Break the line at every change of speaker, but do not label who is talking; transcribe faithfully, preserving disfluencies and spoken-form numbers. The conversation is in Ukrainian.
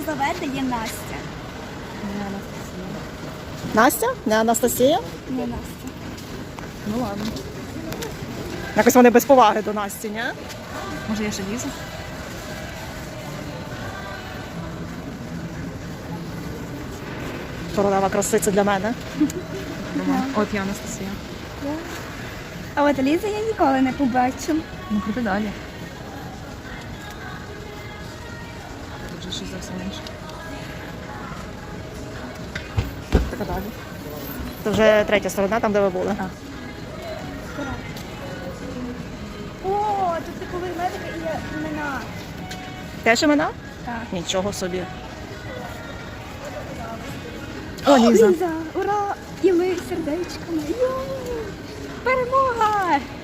Єлизавета, є Настя.
Не Анастасія.
Настя? Не Анастасія?
Не Настя.
Ну ладно.
Якось вони без поваги до Насті, ні?
Може я ще Ліза?
Королева краси це для мене.
От я Анастасія.
А от Лізу я ніколи не побачу.
Ну крути далі. Тут же щось зовсім інше.
Така далі. Це вже третя сторона, там де ви були.
Так.
О, тут таку ведмедика і є імена.
Теж імена?
Так.
Нічого собі.
О, Ліза.
Ліза, ура! І ми сердечками. Йо! Перемога!